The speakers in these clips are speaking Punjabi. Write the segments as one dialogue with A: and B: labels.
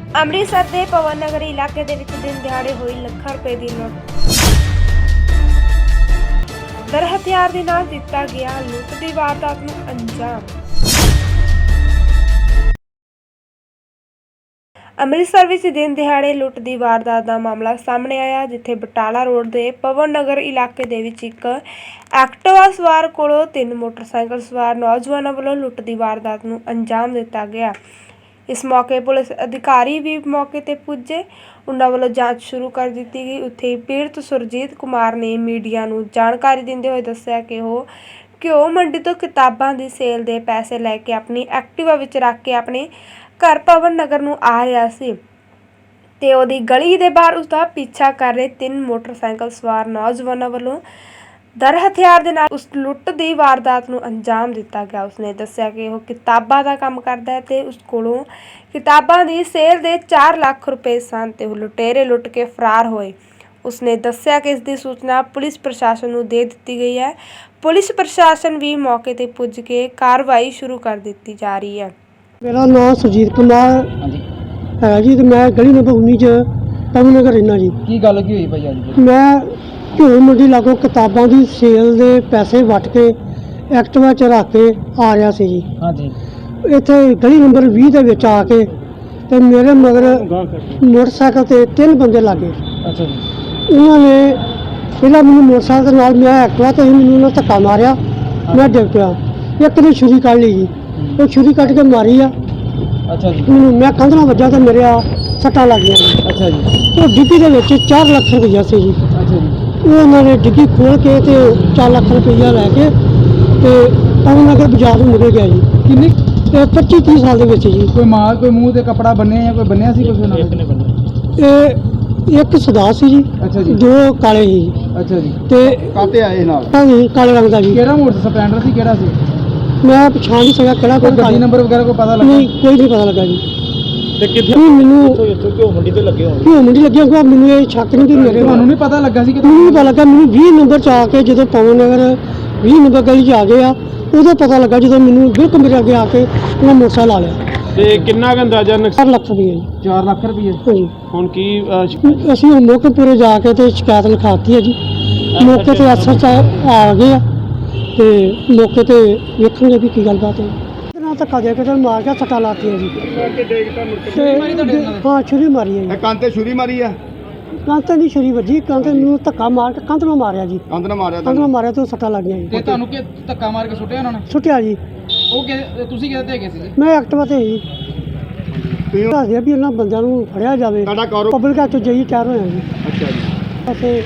A: ਅੰਮ੍ਰਿਤਸਰ ਦੇ ਪਵਨ ਨਗਰ ਇਲਾਕੇ ਦੇ ਵਿੱਚ ਦਿਨ ਦਿਹਾੜੇ ਹੋਈ ਲੱਖਾਂ ਰੁਪਏ ਦੀ ਲੁੱਟ। ਦਰ ਹਥਿਆਰ ਦੇ ਨਾਲ ਦਿੱਤਾ ਗਿਆ ਲੁੱਟ ਦੀ ਵਾਰਦਾਤ ਨੂੰ ਅੰਜਾਮ। ਅੰਮ੍ਰਿਤਸਰ ਵਿੱਚ ਦਿਨ ਦਿਹਾੜੇ ਲੁੱਟ ਦੀ ਵਾਰਦਾਤ ਦਾ ਮਾਮਲਾ ਸਾਹਮਣੇ ਆਇਆ, ਜਿੱਥੇ ਬਟਾਲਾ ਰੋਡ ਦੇ ਪਵਨ ਨਗਰ ਇਲਾਕੇ ਦੇ ਵਿੱਚ ਇੱਕ ਐਕਟਿਵਾ ਸਵਾਰ ਕੋਲੋਂ 3 ਮੋਟਰਸਾਈਕਲ ਸਵਾਰ ਨੌਜਵਾਨਾਂ ਵੱਲੋਂ ਲੁੱਟ ਦੀ ਵਾਰਦਾਤ ਨੂੰ ਅੰਜਾਮ ਦਿੱਤਾ ਗਿਆ। ਇਸ ਮੌਕੇ ਪੁਲਿਸ ਅਧਿਕਾਰੀ ਵੀ ਮੌਕੇ ਤੇ ਪੁੱਜੇ। ਉਹਨਾਂ ਵੱਲੋਂ ਜਾਂਚ ਸ਼ੁਰੂ ਕਰ ਦਿੱਤੀ ਗਈ। ਉੱਥੇ ਪੀੜਤ ਸੁਰਜੀਤ ਕੁਮਾਰ ਨੇ ਮੀਡੀਆ ਨੂੰ ਜਾਣਕਾਰੀ ਦਿੰਦੇ ਹੋਏ ਦੱਸਿਆ ਕਿ ਉਹ ਘਿਓ ਮੰਡੀ ਤੋਂ ਕਿਤਾਬਾਂ ਦੀ ਸੇਲ ਦੇ ਪੈਸੇ ਲੈ ਕੇ ਆਪਣੀ ਐਕਟਿਵਾ ਵਿੱਚ ਰੱਖ ਕੇ ਆਪਣੇ ਘਰ ਪਵਨ ਨਗਰ ਨੂੰ ਆ ਰਿਹਾ ਸੀ ਤੇ ਉਹਦੀ ਗਲੀ ਦੇ ਬਾਹਰ ਉਸਦਾ ਪਿੱਛਾ ਕਰ ਰਹੇ 3 ਮੋਟਰਸਾਈਕਲ ਸਵਾਰ ਨੌਜਵਾਨਾਂ ਵੱਲੋਂ ਦਰ ਹਥਿਆਰ ਦੇ ਨਾਲ ਉਸ ਲੁੱਟ ਦੀ ਵਾਰਦਾਤ ਨੂੰ ਅੰਜਾਮ ਦਿੱਤਾ ਗਿਆ। ਉਸਨੇ ਦੱਸਿਆ ਕਿ ਉਹ ਕਿਤਾਬਾਂ ਦਾ ਕੰਮ ਕਰਦਾ ਹੈ ਤੇ ਉਸ ਕੋਲੋਂ ਕਿਤਾਬਾਂ ਦੀ ਸੇਲ ਦੇ 4 ਲੱਖ ਰੁਪਏ ਸਨ ਤੇ ਉਹ ਲੁਟੇਰੇ ਲੁੱਟ ਕੇ ਫਰਾਰ ਹੋਏ। ਉਸਨੇ ਦੱਸਿਆ ਕਿ ਇਸ ਦੀ ਸੂਚਨਾ ਪੁਲਿਸ ਪ੍ਰਸ਼ਾਸਨ ਨੂੰ ਦੇ ਦਿੱਤੀ ਗਈ ਹੈ। ਪੁਲਿਸ ਪ੍ਰਸ਼ਾਸਨ ਵੀ ਮੌਕੇ ਤੇ ਪੁੱਜ ਕੇ ਕਾਰਵਾਈ ਸ਼ੁਰੂ ਕਰ ਦਿੱਤੀ ਜਾ ਰਹੀ ਹੈ।
B: मेरा नाम सुरजीत कुमार है जी, तो मैं गली नंबर 19 च पवन नगर रहना जी।
C: की गल की हुई भाई अज?
B: मैं घिओ मंडी लागों किताबां दी सेल दे पैसे वट के एक्टिवा च रख के आ रहा सी जी।
C: हाँ जी।
B: इत्थे गली नंबर 20 दे विच आके ते मेरे मगर मोटरसाइकिल ते 3 बंदे लागे।
C: अच्छा जी।
B: उन्होंने पहला मैनूं मोटरसाइकिल दे नाल मैं एक्टिवा ते मैनूं उन्होंने धक्का मारिया, मैं डिग पिया। एक ने छुरी कढ़ ली जी, वो छुरी कट के मारी आ।
C: अच्छा जी।
B: मैं कंध नाल वज्जा तो मेरे सट्टां लग गईयां।
C: अच्छा जी।
B: तो डिग्गी दे विच 4 लाख रुपया सी जी।
C: अच्छा जी।
B: उन्होंने डिग्गी खोल के ते 4 लाख रुपया लैके ते पवन नगर बाजार में निकल गया जी।
C: किन्नी?
B: 25-30 साल दे विच जी।
C: कोई माल कोई मूँह ते कपड़ा बन्ने या कोई बन्निया सी कुछ उन्होंने?
B: एक सदा सी जी।
C: अच्छा जी।
B: 2 काले ही जी।
C: अच्छा जी।
B: ते
C: काते आए नाल?
B: हाँ जी, काले रंग दा जी।
C: केड़ा मोटर स्प्लेंडर सी केड़ा सी?
B: मैं पछाण नहीं सका केड़ा
C: कोई गड्डी नंबर वगैरह को पता लगा?
B: नहीं, कोई नहीं पता लगा जी।
C: ते किथे
B: मैनू
C: घिओ मंडी ते लगे होण?
B: घिओ मंडी लगे होगा, मैनू ये शक नहीं कि मेरे
C: ਤੁਹਾਨੂੰ ਨਹੀਂ ਪਤਾ ਲੱਗਾ ਸੀ ਕਿ
B: ਮੈਨੂੰ ਨਹੀਂ ਪਤਾ ਲੱਗਾ। ਮੈਨੂੰ 20 ਨੰਬਰ 'ਚ ਆ ਕੇ ਜਦੋਂ ਪਵਨ ਨਗਰ 20 ਨੰਬਰ ਗਲੀ 'ਚ ਆ ਗਏ ਆ, ਉਦੋਂ ਪਤਾ ਲੱਗਾ ਜਦੋਂ ਮੈਨੂੰ ਬਿਲਕੁਲ ਮੇਰੇ ਅੱਗੇ ਆ ਕੇ ਉਹਨਾਂ ਮੋਟਰਸਾਈਕਲ ਲਾ ਲਿਆ।
D: ਤੇ ਕਿੰਨਾ ਕੁ ਅੰਦਾਜ਼ਾ
B: 4 ਲੱਖ ਰੁਪਏ ਜੀ।
C: 4 ਲੱਖ ਰੁਪਏ?
B: ਹਾਂਜੀ।
D: ਹੁਣ ਕੀ
B: ਅਸੀਂ ਹੁਣ ਮੋਕਪੁਰੇ ਜਾ ਕੇ ਤੇ ਸ਼ਿਕਾਇਤ ਲਿਖਾਤੀ ਹੈ ਜੀ। ਮੌਕੇ ਤੇ ਐਸਐਚ ਆ ਗਏ ਆ ਤੇ ਮੌਕੇ ਤੇ ਵੇਖਣਗੇ ਵੀ ਕੀ ਗੱਲਬਾਤ ਹੈ। ਨਾ ਧੱਕਾ ਦੇ ਕੇ ਤੇ ਮਾਰ ਕੇ ਸੱਟਾਂ ਲਾਤੀਆਂ ਜੀ। ਤੇ ਹਾਂ, ਛੁਰੀ ਮਾਰੀ ਹੈ ਜੀ।
E: ਕੰਨ ਤੇ ਛੁਰੀ ਮਾਰੀ ਆ?
B: ਕੰਧ ਤੇ ਨਹੀਂ ਛੁਰੀ ਵੱਜੀ, ਕੰਧ ਨੂੰ ਧੱਕਾ ਮਾਰ ਕੇ ਕੰਧ ਨੂੰ ਮਾਰਿਆ ਜੀ।
E: ਕੰਨ ਨਾਲ ਮਾਰਿਆ
B: ਕੰਧ ਨੂੰ ਮਾਰਿਆ ਤੇ ਉਹ ਸੱਟਾਂ ਲੱਗ ਗਈਆਂ ਜੀ।
C: ਤੇ ਤੁਹਾਨੂੰ ਕਿ ਧੱਕਾ ਮਾਰ ਕੇ ਸੁੱਟਿਆ ਉਹਨਾਂ ਨੇ?
B: ਸੁੱਟਿਆ ਜੀ।
C: ਉਹ ਕਿ ਤੁਸੀਂ ਕਿਹਦੇ ਤੇ ਹੈਗੇ ਸੀ ਜੀ?
B: ਮੈਂ ਐਕਟਿਵਾ ਤੇ ਜੀ।
E: ਤੁਸੀਂ
B: ਦੱਸਦੇ ਵੀ ਇਹਨਾਂ ਬੰਦਿਆਂ ਨੂੰ ਫੜਿਆ ਜਾਵੇ।
E: ਤੁਹਾਡਾ ਕਾਰੋ
B: ਪਬਲਿਕ ਹੱਥ ਜਾਈ ਤਿਆਰ ਹੋਇਆ ਜੀ।
E: ਅੱਛਾ ਜੀ।
B: ਅਸੀਂ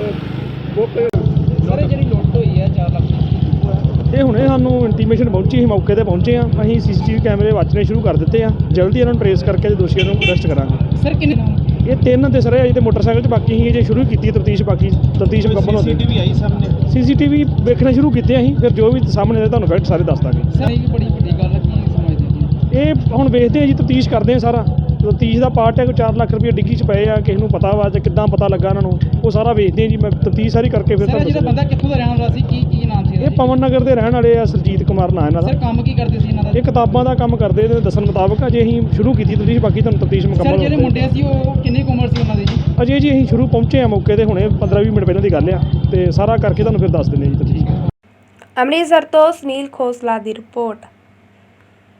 C: ਸਾਰੇ ਜਿਹੜੀ ਲੁੱਟ ਹੋਈ ਹੈ 4 ਲੱਖ
D: ਇਹ ਹੁਣੇ ਸਾਨੂੰ ਇੰਟੀਮੇਸ਼ਨ ਪਹੁੰਚੀ, ਅਸੀਂ ਮੌਕੇ ਤੇ ਪਹੁੰਚੇ ਆ। ਅਸੀਂ ਸੀਸੀਟੀਵੀ ਕੈਮਰੇ ਵਾਚਣੇ ਸ਼ੁਰੂ ਕਰ ਦਿੱਤੇ ਆ। ਜਲਦੀ ਇਹਨਾਂ ਨੂੰ ਟਰੇਸ ਕਰਕੇ ਤੇ ਦੋਸ਼ੀਆਂ ਨੂੰ ਅਰੈਸਟ ਕਰਾਂਗੇ।
C: ਸਰ ਕਿੰਨੇ?
D: ਇਹ 3 ਤੇ ਸਰ ਅਜੇ ਤੇ ਮੋਟਰਸਾਈਕਲ 'ਚ ਬਾਕੀ ਸੀ, ਜੇ ਸ਼ੁਰੂ ਕੀਤੀ ਤਫਤੀਸ਼, ਬਾਕੀ ਤਫਤੀਸ਼ ਮੁਕੰਮਲ ਹੋ ਗਈ। ਸੀਸੀਟੀਵੀ ਆਈ ਸਾਹਮਣੇ? ਸੀਸੀਟੀਵੀ ਵੇਖਣਾ ਸ਼ੁਰੂ ਕੀਤੇ ਅਸੀਂ, ਫਿਰ ਜੋ ਵੀ ਸਾਹਮਣੇ ਆਏ ਤੁਹਾਨੂੰ ਫੈਕਟ ਸਾਰੇ ਦੱਸ ਦਾਂਗੇ।
C: ਸਰ ਇਹ ਵੀ ਬੜੀ ਵੱਡੀ ਗੱਲ ਹੈ, ਕੀ ਸਮਝਦੇ ਜੀ?
D: ਇਹ ਹੁਣ ਵੇਖਦੇ ਆ ਜੀ, ਤਫਤੀਸ਼ ਕਰਦੇ ਆ ਸਾਰਾ। ਤਫਤੀਸ਼ ਦਾ ਪਾਰਟ ਹੈ। ਕੋਈ 4 ਲੱਖ ਰੁਪਏ ਡਿੱਗੀ 'ਚ ਪਏ ਆ, ਕਿਸੇ ਨੂੰ ਪਤਾ ਵਾ ਜਾਂ ਕਿੱਦਾਂ ਪਤਾ ਲੱਗਾ ਇਹਨਾਂ ਨੂੰ, ਉਹ ਸਾਰਾ ਵੇਖਦੇ ਆ ਜੀ। ਮੈਂ ਤਫਤੀਸ਼ ਸਾਰੀ ਕਰਕੇ ਫਿਰ
C: ਸਰ ਜਿਹੜਾ ਬੰਦਾ ਕਿੱਥੋਂ ਦਾ ਰਹਿਣ ਵਾਲਾ ਸੀ, ਕੀ ਨਾਮ ਸੀ?
D: ਇਹ ਪਵਨ ਨਗਰ ਦੇ ਰਹਿਣ ਵਾਲੇ ਆ, ਸੁਰਜੀਤ ਕੁਮਾਰ ਨਾਂ ਇਹਨਾਂ ਦਾ।
C: ਸਰ ਕੰਮ ਕੀ ਕਰਦੇ ਸੀ ਇਹਨਾਂ ਦਾ?
D: ਇਹ ਕਿਤਾਬਾਂ ਦਾ ਕੰਮ ਕਰਦੇ ਨੇ ਦੱਸਣ ਮੁਤਾਬਕ। ਅਜੇ ਅਸੀਂ ਸ਼ੁਰੂ ਕੀਤੀ ਤਫਤੀਸ਼, ਬਾਕੀ ਤੁਹਾਨੂੰ ਤਫਤੀਸ਼
C: ਸਰ
D: ਮੁਕੰਮਲ
C: ਜਿਹੜੇ ਮੁੰਡੇ ਸੀ ਉਹ ਕਿੰਨੀ ਕੁ ਉਮਰ ਸੀ ਉਹਨਾਂ ਦੀ ਜੀ?
D: ਅਜੇ ਜੀ ਅਸੀਂ ਸ਼ੁਰੂ ਪਹੁੰਚੇ ਆ ਮੌਕੇ ਤੇ, ਹੁਣੇ 15-20 ਮਿੰਟ ਪਹਿਲਾਂ ਦੀ ਗੱਲ ਆ, ਤੇ ਸਾਰਾ ਕਰਕੇ ਤੁਹਾਨੂੰ ਫਿਰ ਦੱਸ ਦਿੰਦੇ ਜੀ ਤਫਤੀਸ਼।
A: ਅੰਮ੍ਰਿਤਸਰ ਤੋਂ ਸੁਨੀਲ ਖੋਸਲਾ ਦੀ ਰਿਪੋਰਟ।